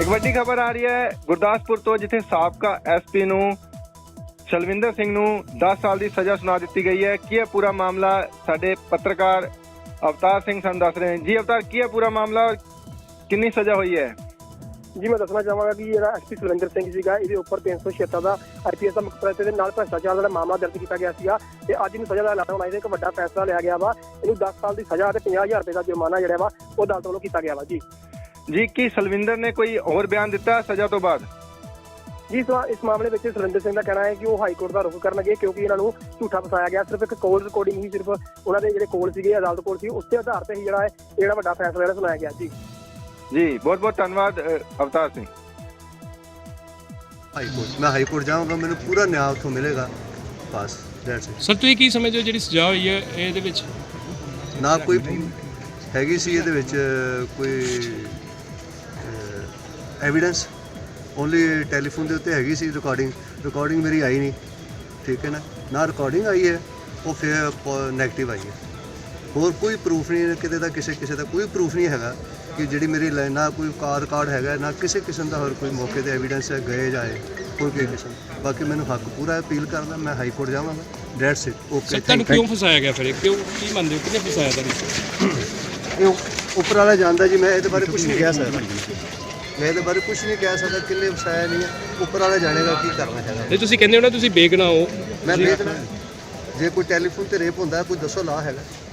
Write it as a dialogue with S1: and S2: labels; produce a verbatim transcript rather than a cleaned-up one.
S1: ਇੱਕ ਵੱਡੀ ਖਬਰ ਆ ਰਹੀ ਹੈ ਗੁਰਦਾਸਪੁਰ ਤੋਂ, ਜਿੱਥੇ ਸਾਬਕਾ ਐਸਪੀ ਨੂੰ ਸ਼ਲਵਿੰਦਰ ਸਿੰਘ ਨੂੰ ਦਸ ਸਾਲ ਦੀ ਸਜ਼ਾ ਸੁਣਾ ਦਿੱਤੀ ਗਈ ਹੈ। ਕੀ ਹੈ ਪੂਰਾ ਮਾਮਲਾ? ਸਾਡੇ ਪੱਤਰਕਾਰ ਅਵਤਾਰ ਸਿੰਘ ਸਾਨੂੰ ਦੱਸ ਰਹੇ ਹਨ। ਜੀ ਅਵਤਾਰ, ਕੀ ਹੈ ਪੂਰਾ ਮਾਮਲਾ, ਕਿੰਨੀ ਸਜ਼ਾ ਹੋਈ ਹੈ?
S2: ਜੀ ਮੈਂ ਦੱਸਣਾ ਚਾਹਾਂਗਾ ਕਿ ਜਿਹੜਾ ਐਸਪੀ ਸੁਰਿੰਦਰ ਸਿੰਘ ਸੀਗਾ, ਇਹਦੇ ਉੱਪਰ ਤਿੰਨ ਸੌ ਛਿਹੱਤਰ ਦਾ ਆਈਪੀਐਸ ਦਾ ਮੁਕੱਦਮਾ ਦੇ ਨਾਲ ਭ੍ਰਿਸ਼ਟਾਚਾਰ ਦਾ ਮਾਮਲਾ ਦਰਜ ਕੀਤਾ ਗਿਆ ਸੀਗਾ ਤੇ ਅੱਜ ਇਹਨੂੰ ਸਜ਼ਾ ਦਾ ਐਲਾਨ ਹੋਣਾ। ਇਹਦੇ ਇੱਕ ਵੱਡਾ ਫੈਸਲਾ ਲਿਆ ਗਿਆ ਵਾ। ਇਹਨੂੰ ਦਸ ਸਾਲ ਦੀ ਸਜ਼ਾ ਤੇ ਪੰਜਾਹ ਹਜ਼ਾਰ ਰੁਪਏ ਦਾ ਜੁਰਮਾਨਾ ਜਿਹੜਾ ਵਾ ਉਹ ਅਦਾਲਤ ਵੱਲੋਂ ਕੀਤਾ ਗਿਆ ਵਾ। ਜੀ
S1: ਜੀ ਕੀ ਸਲਵਿੰਦਰ ਨੇ ਕੋਈ ਹੋਰ ਬਿਆਨ ਦਿੱਤਾ ਸਜ਼ਾ ਤੋਂ ਬਾਅਦ?
S2: ਜੀ ਇਸ ਮਾਮਲੇ ਵਿੱਚ ਸੁਰਿੰਦਰ ਸਿੰਘ ਦਾ ਕਹਿਣਾ ਹੈ ਕਿ ਉਹ ਹਾਈ ਕੋਰਟ ਦਾ ਰੁਖ ਕਰਨਗੇ ਕਿਉਂਕਿ ਇਹਨਾਂ ਨੂੰ ਝੂਠਾ ਫਸਾਇਆ ਗਿਆ। ਸਿਰਫ ਇੱਕ ਕੋਲ ਰਿਕਾਰਡਿੰਗ ਹੀ, ਸਿਰਫ ਉਹਨਾਂ ਦੇ ਜਿਹੜੇ ਕੋਲ ਸੀਗੇ ਅਦਾਲਤ ਕੋਲ ਸੀ, ਉਸ ਦੇ ਆਧਾਰ ਤੇ ਹੀ ਜਿਹੜਾ ਹੈ ਜਿਹੜਾ ਵੱਡਾ ਫੈਸਲਾ ਜਿਹੜਾ ਸੁਣਾਇਆ ਗਿਆ। ਜੀ
S1: ਜੀ ਬਹੁਤ ਬਹੁਤ ਧੰਨਵਾਦ ਅਵਤਾਰ ਸਿੰਘ।
S3: ਹਾਈ ਕੋਰਟ ਮੈਂ ਹਾਈ ਕੋਰਟ ਜਾਊਂਗਾ, ਮੈਨੂੰ ਪੂਰਾ ਨਿਆਂ ਉੱਥੋਂ ਮਿਲੇਗਾ। ਬਸ ਦੈਟਸ ਇਟ।
S4: ਸਰ ਤੁਸੀਂ ਕੀ ਸਮਝਦੇ ਹੋ ਜਿਹੜੀ ਸਜ਼ਾ ਹੋਈ ਹੈ ਇਹਦੇ ਵਿੱਚ?
S3: ਨਾ ਕੋਈ ਹੈਗੀ ਸੀ ਇਹਦੇ ਵਿੱਚ ਕੋਈ ਐਵੀਡੈਂਸ, ਓਨਲੀ ਟੈਲੀਫੋਨ ਦੇ ਉੱਤੇ ਹੈਗੀ ਸੀ ਰਿਕਾਰਡਿੰਗ। ਰਿਕਾਰਡਿੰਗ ਮੇਰੀ ਆਈ ਨਹੀਂ, ਠੀਕ ਹੈ ਨਾ, ਨਾ ਰਿਕਾਰਡਿੰਗ ਆਈ ਹੈ, ਉਹ ਫਿਰ ਨੈਗੇਟਿਵ ਆਈ ਹੈ। ਹੋਰ ਕੋਈ ਪ੍ਰੂਫ ਨਹੀਂ ਕਿਤੇ ਦਾ, ਕਿਸੇ ਕਿਸੇ ਦਾ ਕੋਈ ਪ੍ਰੂਫ ਨਹੀਂ ਹੈਗਾ ਕਿ ਜਿਹੜੀ ਮੇਰੀ ਨਾ ਕੋਈ ਕਾਰ ਰਿਕਾਰਡ ਹੈਗਾ, ਨਾ ਕਿਸੇ ਕਿਸਮ ਦਾ ਹੋਰ ਕੋਈ ਮੌਕੇ ਤੇ ਐਵੀਡੈਂਸ ਹੈ ਗਏ ਜਾਏ ਕੋਈ ਕੋਈ ਕਿਸਮ। ਬਾਕੀ ਮੈਨੂੰ ਹੱਕ ਪੂਰਾ ਅਪੀਲ ਕਰਦਾ, ਮੈਂ ਹਾਈ ਕੋਰਟ ਜਾਵਾਂਗਾ। That's it. ਓਕੇ।
S4: ਤੁਹਾਨੂੰ ਕਿਉਂ ਫਸਾਇਆ ਗਿਆ ਫਿਰ? ਕਿਉਂ, ਕੀ ਮੰਨਦੇ ਹੋ ਕਿਹਨੇ ਫਸਾਇਆ ਤੁਹਾਨੂੰ?
S3: ਇਹ ਉੱਪਰ ਵਾਲਾ ਜਾਣਦਾ ਜੀ, ਮੈਂ ਇਹਦੇ ਬਾਰੇ ਕੁਝ ਨਹੀਂ ਕਹਿ ਸਕਦਾ। ਮੈਂ ਇਹਦੇ ਬਾਰੇ ਕੁਝ ਨਹੀਂ ਕਹਿ ਸਕਦਾ ਕਿੰਨੇ ਫਸਾਇਆ ਨਹੀਂ ਹੈ, ਉੱਪਰ ਵਾਲਾ ਜਾਣੇਗਾ ਕੀ ਕਰਨਾ ਹੈਗਾ।
S4: ਨਹੀਂ ਤੁਸੀਂ ਕਹਿੰਦੇ ਹੋ ਨਾ ਤੁਸੀਂ ਬੇਗੁਨਾਹ ਹੋ।
S3: ਮੈਂ ਬੇਗੁਨਾਹ? ਜੇ ਕੋਈ ਟੈਲੀਫੋਨ ਤੇ ਰੇਪ ਹੁੰਦਾ ਕੋਈ ਦੱਸੋ ਲਾ ਹੈਗਾ।